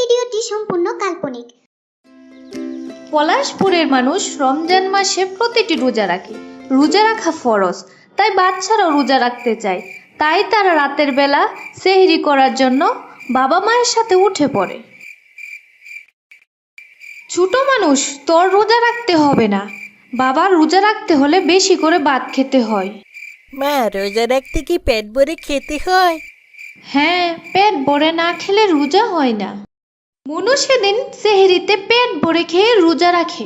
ভিডিওটি সম্পূর্ণ কাল্পনিক। পলাশপুরের মানুষ রমজান মাসে প্রতিটি রোজা রাখে। রোজা রাখা ফরজ, তাই বাচ্চারাও রোজা রাখতে চায়। তাই তারা রাতের বেলা সেহরি করার জন্য বাবা মায়ের সাথে উঠে পড়ে। ছোট মানুষ, তোর রোজা রাখতে হবে না। বাবার রোজা রাখতে হলে বেশি করে ভাত খেতে হয়। মা, রোজা রাখতে কি পেট ভরে খেতে হয়? হ্যাঁ, পেট ভরে না খেলে রোজা হয় না। মনু সেদিন সেহরিতে পেট ভরে খেয়ে রোজা রাখে।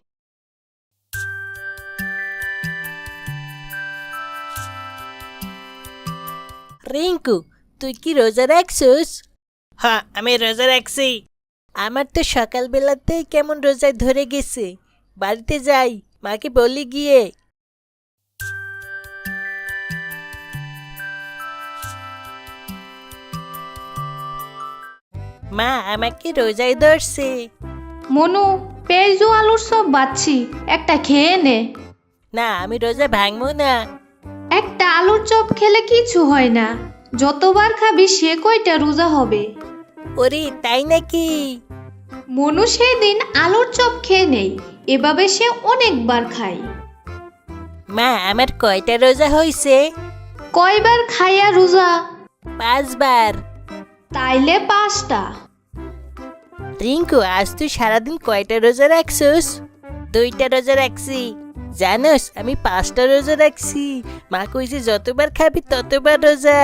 রিঙ্কু, তুই কি রোজা রাখছিস? হ্যাঁ, আমি রোজা রাখছি। আমার তো সকালবেলাতেই কেমন রোজায় ধরে গেছে। বাড়িতে যাই, মাকে বলি গিয়ে। মা, আমাকে রোজায় ধরছে। মনু, পেঁয়াজ ও আলুর সব বাচ্ছি, একটা খেয়ে নে। না, আমি রোজা ভাঙবো না। একটা আলুর চপ খেলে কিছু হয় না, যতবার খাবি সে কয়টা রোজা হবে। ওরে, তাই নাকি? মনু সেই দিন আলুর চপ খেয়ে নেই, এভাবে সে অনেকবার খায়। মা, আমার কয়টা রোজা হয়েছে? কয়বার খাইয়া রোজা? 5 বার। তাইলে 5টা। রিঙ্কু, আজ তুই সারাদিন কয়টা রোজা রাখছিস? 2টা রোজা রাখছি। জানোস, আমি 5টা রোজা রাখছি। মা কইছে যতবার খাবি ততবার রোজা।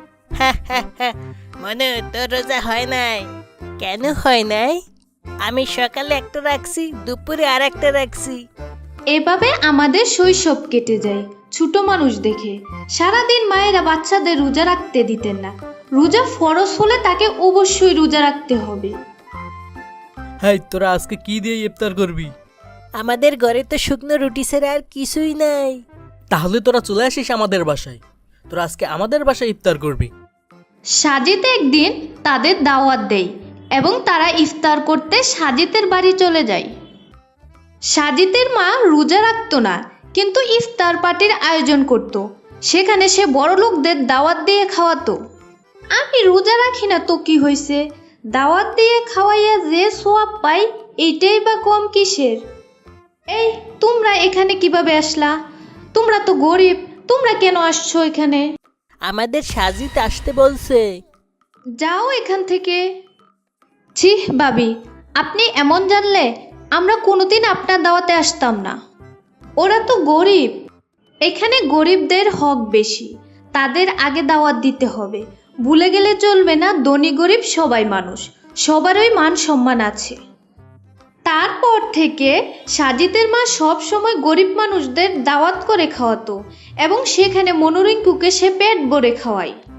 মনে তোর রোজা হয় নাই? কেন হয় নাই? আমি সকালে একটা রাখছি, দুপুরে আর একটা রাখছি। এভাবে আমাদের শৈশব কেটে যায় ছোট মানুষ দেখে। সারাদিন মায়েরা বাচ্চাদের রোজা রাখতে দিতেন না। রোজা ফরজ হলে তাকে অবশ্যই রোজা রাখতে হবে। হ্যাঁ, তোরা আজকে কি দিয়ে ইফতার করবি? আমাদের ঘরে তো শুকনো রুটি ছাড়া আর কিছুই নাই। তাহলে তোরা চলে আসিস আমাদের বাসায়। তোরা আজকে আমাদের বাসায় ইফতার করবি। সাজিদ একদিন তাদের দাওয়াত দেয় এবং তারা ইফতার করতে সাজিদের বাড়ি চলে যায়। সাজিদের মা রোজা রাখতো না, কিন্তু ইফতার পার্টির আয়োজন করত। সেখানে সে বড় লোকদের দাওয়াত দিয়ে খাওয়াতো। আমি রোজা রাখি না তো কি হয়েছে, দাওয়াত দিয়ে খাওয়াইয়া যে সোয়াব পাই এইটাই বা কম কিসের? এই, তোমরা এখানে কিভাবে আসলা? তোমরা তো গরিব, তোমরা কেন আসছো এখানে? আমাদের সাজিদ আসতে বলছে। যাও এখান থেকে। ছি ভাবি, আপনি এমন জানলে আমরা কোনোদিন আপনার দাওয়াতে আসতাম না। ওরা তো গরিব, এখানে গরিবদের হক বেশি, তাদের আগে দাওয়াত দিতে হবে। ভুলে গেলে চলবে না, ধনী গরিব সবাই মানুষ, সবারই মান সম্মান আছে। তারপর থেকে সাজিদের মা সব সময় গরিব মানুষদের দাওয়াত করে খাওয়াতো এবং সেখানে মনোরিঙ্কুকে সে পেট ভরে খাওয়ায়।